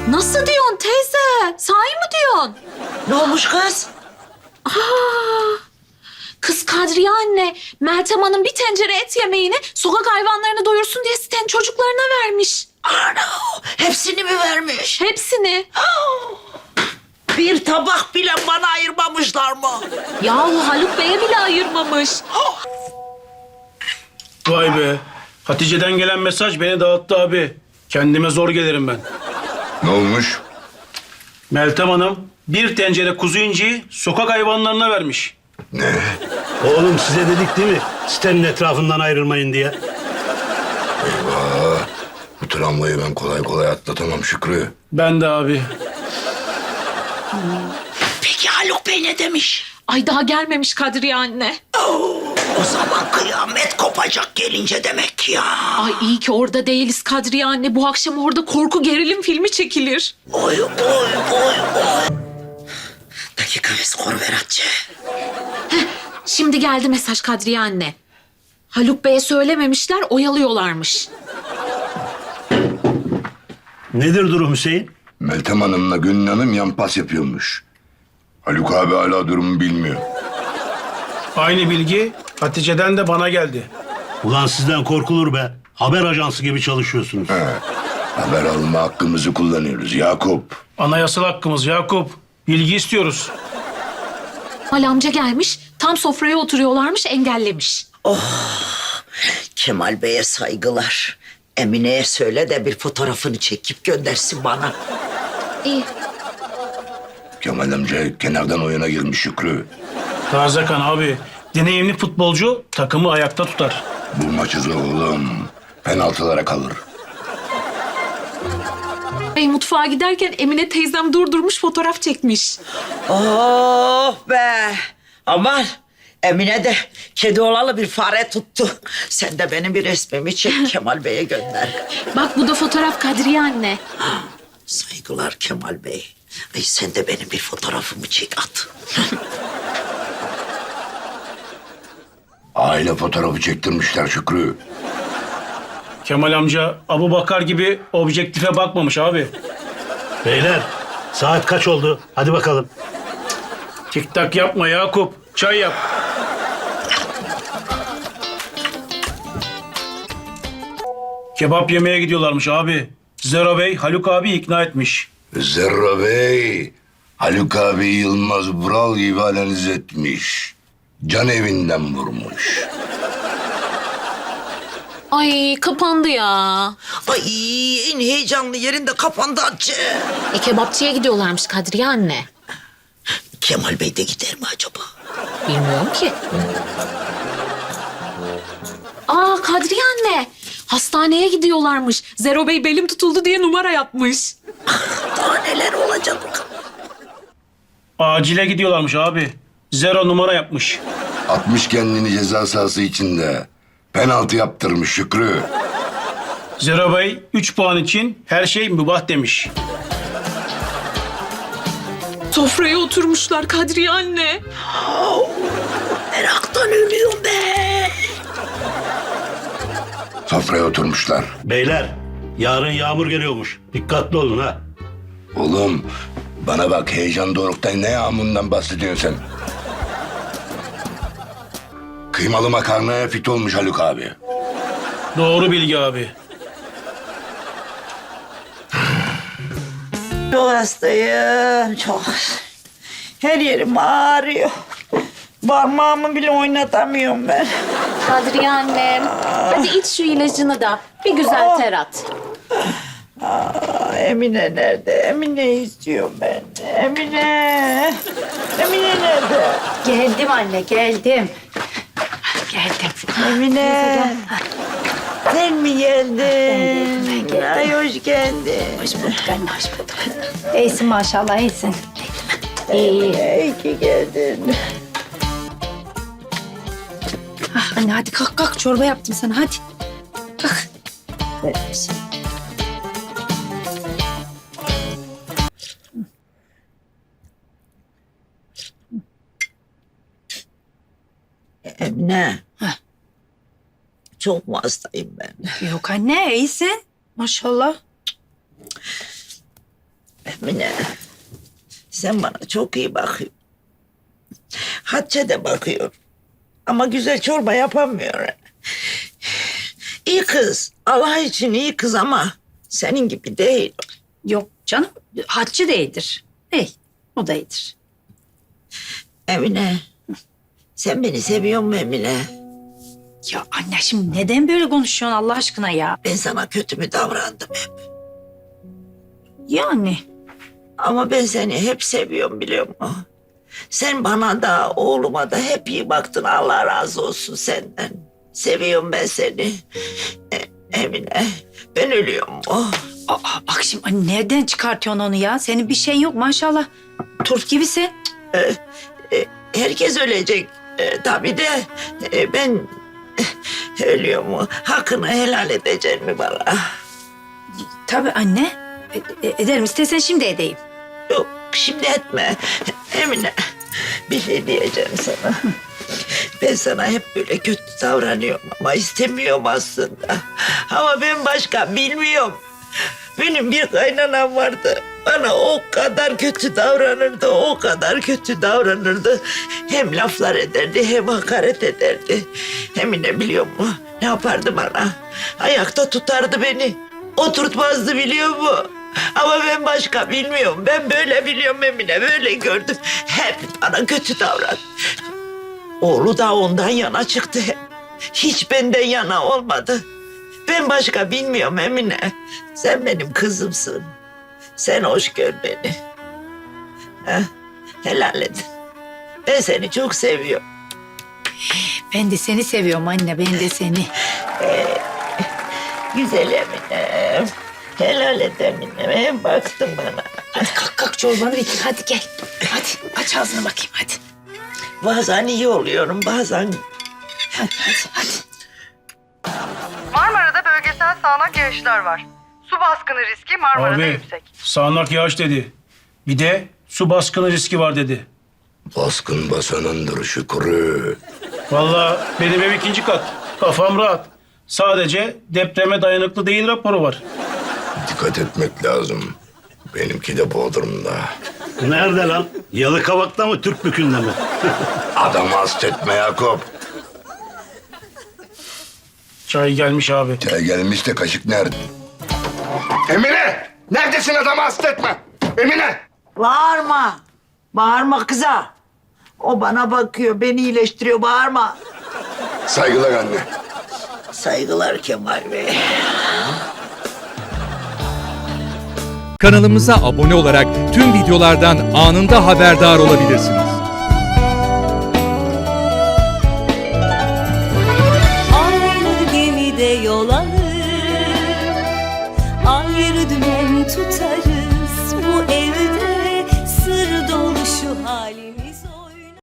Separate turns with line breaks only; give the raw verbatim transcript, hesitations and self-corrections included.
Nasıl diyorsun teyze? Sahi mi diyorsun?
Ne olmuş kız?
Aa, kız Kadriye anne, Meltem Hanım bir tencere et yemeğini sokak hayvanlarını doyursun diye sitenin çocuklarına vermiş.
Ana, hepsini mi vermiş?
Hepsini.
Bir tabak bile bana ayırmamışlar mı?
Yahu Haluk Bey'e bile ayırmamış.
Vay be. Hatice'den gelen mesaj beni dağıttı abi. Kendime zor gelirim ben.
Ne olmuş?
Meltem Hanım bir tencere kuzu inciyi sokak hayvanlarına vermiş.
Ne?
Oğlum size dedik değil mi? Sitenin etrafından ayrılmayın diye.
Eyvah. Bu travmayı ben kolay kolay atlatamam Şükrü.
Ben de abi.
Peki Haluk Bey ne demiş?
Ay daha gelmemiş Kadriye anne.
Oo, o zaman kıyamet kopacak gelince demek ki ya.
Ay iyi ki orada değiliz Kadriye anne. Bu akşam orada korku gerilim filmi çekilir.
Oy oy oy oy. Dakika ve skor ver Hatice.
Şimdi geldi mesaj Kadriye anne. Haluk Bey'e söylememişler, oyalıyorlarmış.
Nedir durum Hüseyin?
Meltem Hanım'la Gönül Hanım yan pas yapıyormuş. Haluk abi hala durumu bilmiyor.
Aynı bilgi Hatice'den de bana geldi.
Ulan sizden korkulur be. Haber ajansı gibi çalışıyorsunuz.
He. Haber alma hakkımızı kullanıyoruz Yakup.
Anayasal hakkımız Yakup. Bilgi istiyoruz.
Kemal amca gelmiş, tam sofraya oturuyorlarmış, engellemiş.
Kemal Bey'e saygılar. Emine'ye söyle de bir fotoğrafını çekip göndersin bana.
İyi.
Kemal amca kenardan oyuna girmiş Şükrü.
Taze kan abi. Deneyimli futbolcu takımı ayakta tutar.
Bu maçı zor oğlum. Penaltılara kalır.
Bey mutfağa giderken Emine teyzem durdurmuş, fotoğraf çekmiş.
Oh be. Aman Emine de kedi olalı bir fare tuttu. Sen de benim bir resmimi çek Kemal Bey'e gönder.
Bak bu da fotoğraf Kadriye anne.
Saygılar Kemal Bey. Ay sen de benim bir fotoğrafımı çek at.
Aile fotoğrafı çektirmişler Şükrü.
Kemal amca Abu Bakar gibi objektife bakmamış abi.
Beyler saat kaç oldu? Hadi bakalım.
Tik tak yapma Yakup. Çay yap. Kebap yemeye gidiyorlarmış abi. Zero Bey Haluk abi ikna etmiş.
Zerra Bey, Haluk abi Yılmaz Vural gibi analiz etmiş. Can evinden vurmuş.
Ay kapandı ya.
Ay en heyecanlı yerinde kapandı Hatice.
E kebapçıya gidiyorlarmış Kadriye anne.
Kemal Bey de gider mi acaba?
Bilmiyorum ki. Aa Kadriye anne. Hastaneye gidiyorlarmış. Zero Bey belim tutuldu diye numara yapmış.
Daha neler olacak bakalım.
Acile gidiyorlarmış abi. Zero numara yapmış.
Atmış kendini ceza sahası içinde. Penaltı yaptırmış Şükrü.
Zero Bey üç puan için her şey mübah demiş.
Sofraya oturmuşlar Kadriye anne.
Meraktan ölüyorum be.
Sofraya oturmuşlar.
Beyler yarın yağmur geliyormuş. Dikkatli olun ha.
Oğlum bana bak heyecan doruktan ne yağmurundan bahsediyorsun sen? Kıymalı makarnaya fit olmuş Haluk abi.
Doğru bilgi abi.
Çok hastayım çok. Her yerim ağrıyor. Parmağımı bile oynatamıyorum ben.
Kadriye annem. Hadi iç şu ilacını da. Bir güzel ter at.
Aa, Emine nerede? Emine istiyorum ben. Emine. Emine nerede?
Geldim anne, geldim. Geldim.
Emine. Sen mi geldin?
Ben geldim.
Ay hoş geldin.
Hoş bulduk anne, hoş bulduk. İyisin maşallah, iyisin. İyi.
İyi ki geldin.
Ah, anne hadi kalk kalk, çorba yaptım sana, hadi. Kalk.
Emine.
Heh.
Çok mu hastayım ben?
Yok anne, iyisin. Maşallah.
Mine, sen bana çok iyi bakıyorsun. Hatice de bakıyor. Ama güzel çorba yapamıyor. İyi kız, Allah için iyi kız ama senin gibi değil.
Yok canım, Hatice de iyidir. Ey, o da iyidir.
Emine, sen beni seviyor musun Emine?
Ya anne şimdi neden böyle konuşuyorsun Allah aşkına ya?
Ben sana kötü mü davrandım hep?
Yani
Ama ben seni hep seviyorum biliyor musun? Sen bana da oğluma da hep iyi baktın. Allah razı olsun senden. Seviyorum ben seni. E- Emine, ben ölüyorum mu?
aa, bak şimdi anne, nereden çıkartıyorsun onu ya? Senin bir şeyin yok maşallah. Turp gibisin.
E, herkes ölecek. E, tabii de e, ben e, ölüyor mu? Hakkını helal edecek mi bana?
Tabii anne. E- e- ederim, istesen şimdi edeyim.
Yok, şimdi etme. Emine, bir şey diyeceğim sana. Ben sana hep böyle kötü davranıyorum ama istemiyorum aslında. Ama ben başka bilmiyorum. Benim bir kaynanam vardı. Bana o kadar kötü davranırdı, o kadar kötü davranırdı. Hem laflar ederdi, hem hakaret ederdi. Emine biliyor musun? Ne yapardı bana? Ayakta tutardı beni. Oturtmazdı biliyor musun? Ama ben başka bilmiyorum. Ben böyle biliyorum Emine, böyle gördüm. Hep bana kötü davran. Oğlu da ondan yana çıktı hep. Hiç benden yana olmadı. Ben başka bilmiyorum Emine. Sen benim kızımsın. Sen hoş gör beni. Ha? Helal et. Ben seni çok seviyorum.
Ben de seni seviyorum anne, ben de seni.
Güzel Emine. Helal et Emine. Hem baktın bana.
Hadi kalk kalk çorbanı bitir, hadi gel. Hadi aç ağzını bakayım hadi.
Bazen iyi oluyorum, bazen...
Hadi hadi hadi.
Marmara'da bölgesel sağanak yağışlar var. Su baskını riski Marmara'da
Abi
yüksek.
sağanak yağış dedi. Bir de su baskını riski var dedi.
Baskın basanındır Şükrü.
Vallahi benim ev ikinci kat. Kafam rahat. Sadece depreme dayanıklı değil raporu var.
Dikkat etmek lazım. Benimki de Bodrum'da.
Nerede lan? Yalıkavak'ta mı, Türkbükü'nde mi?
Adamı hasta etme Yakup.
Çay gelmiş abi.
Çay gelmiş de kaşık nerede? Emine! Neredesin, adamı hasta etme? Emine!
Bağırma. Bağırma kıza. O bana bakıyor, beni iyileştiriyor. Bağırma.
Saygılar anne.
Saygılar Kemal Bey.
Kanalımıza abone olarak tüm videolardan anında haberdar olabilirsiniz.
Aynı gemide yol